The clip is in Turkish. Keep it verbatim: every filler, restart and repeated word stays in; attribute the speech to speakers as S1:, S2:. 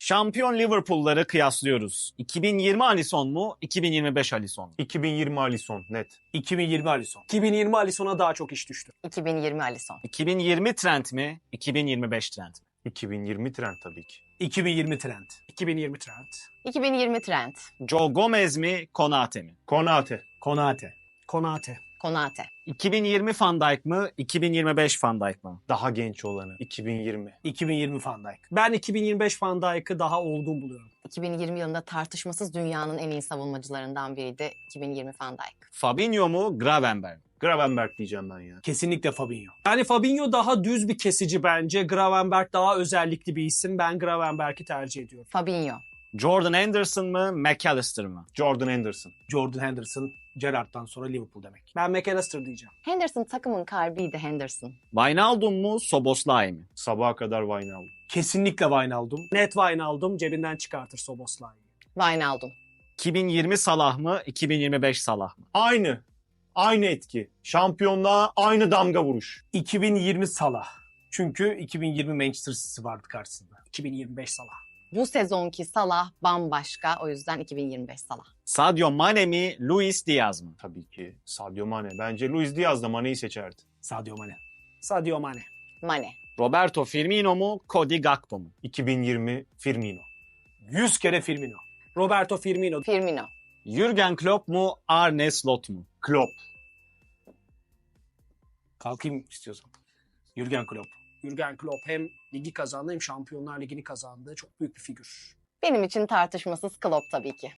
S1: Şampiyon Liverpool'ları kıyaslıyoruz. iki bin yirmi Alisson mu, iki bin yirmi beş Alisson mu?
S2: iki bin yirmi Alisson net.
S3: iki bin yirmi Alisson. iki bin yirmi Alisson'a daha çok iş düştü.
S4: iki bin yirmi Alisson.
S1: iki bin yirmi Trent mi, iki bin yirmi beş Trent mi?
S2: iki bin yirmi Trent tabii ki.
S3: iki bin yirmi Trent. iki bin yirmi Trent.
S4: iki bin yirmi Trent.
S1: Joe Gomez mi, Konate mi?
S2: Konate.
S3: Konate. Konate.
S4: Konate.
S1: iki bin yirmi Van Dijk mı, iki bin yirmi beş Van Dijk mı?
S2: Daha genç olanı. iki bin yirmi.
S3: iki bin yirmi Van Dijk. Ben iki bin yirmi beş Van Dijk'ı daha olgun buluyorum.
S4: iki bin yirmi yılında tartışmasız dünyanın en iyi savunmacılarından biriydi iki bin yirmi Van Dijk.
S1: Fabinho mu, Gravenberch mi?
S2: Gravenberch diyeceğim ben ya.
S3: Kesinlikle Fabinho. Yani Fabinho daha düz bir kesici bence. Gravenberch daha özellikli bir isim. Ben Gravenberch'i tercih ediyorum.
S4: Fabinho.
S1: Jordan Henderson mı, McAllister mı?
S2: Jordan Henderson.
S3: Jordan Henderson, Gerrard'dan sonra Liverpool demek. Ben McAllister diyeceğim.
S4: Henderson takımın kalbiydi Henderson.
S1: Wijnaldum mu, Szoboszlai mi?
S2: Sabaha kadar Wijnaldum.
S3: Kesinlikle Wijnaldum. Net Wijnaldum cebinden çıkartır Szoboszlai'yi.
S4: Wijnaldum.
S1: iki bin yirmi Salah mı, iki bin yirmi beş Salah mı?
S2: Aynı. Aynı etki. Şampiyonluğa aynı damga vuruş.
S3: iki bin yirmi Salah. Çünkü iki bin yirmi Manchester City vardı karşısında. iki bin yirmi beş Salah.
S4: Bu sezonki Salah bambaşka. O yüzden iki bin yirmi beş Salah.
S1: Sadio Mane mi, Luis Diaz mı?
S2: Tabii ki Sadio Mane. Bence Luis Diaz da Mane'yi seçerdi.
S3: Sadio Mane. Sadio Mane.
S4: Mane.
S1: Roberto Firmino mu, Cody Gakpo mu?
S2: iki bin yirmi Firmino.
S3: yüz kere Firmino. Roberto Firmino.
S4: Firmino.
S1: Jürgen Klopp mu, Arne Slot mu?
S2: Klopp.
S3: Kalkayım istiyorsan. Jürgen Klopp. Jürgen Klopp hem ligi kazandı hem Şampiyonlar Ligi'ni kazandı. Çok büyük bir figür.
S4: Benim için tartışmasız Klopp tabii ki.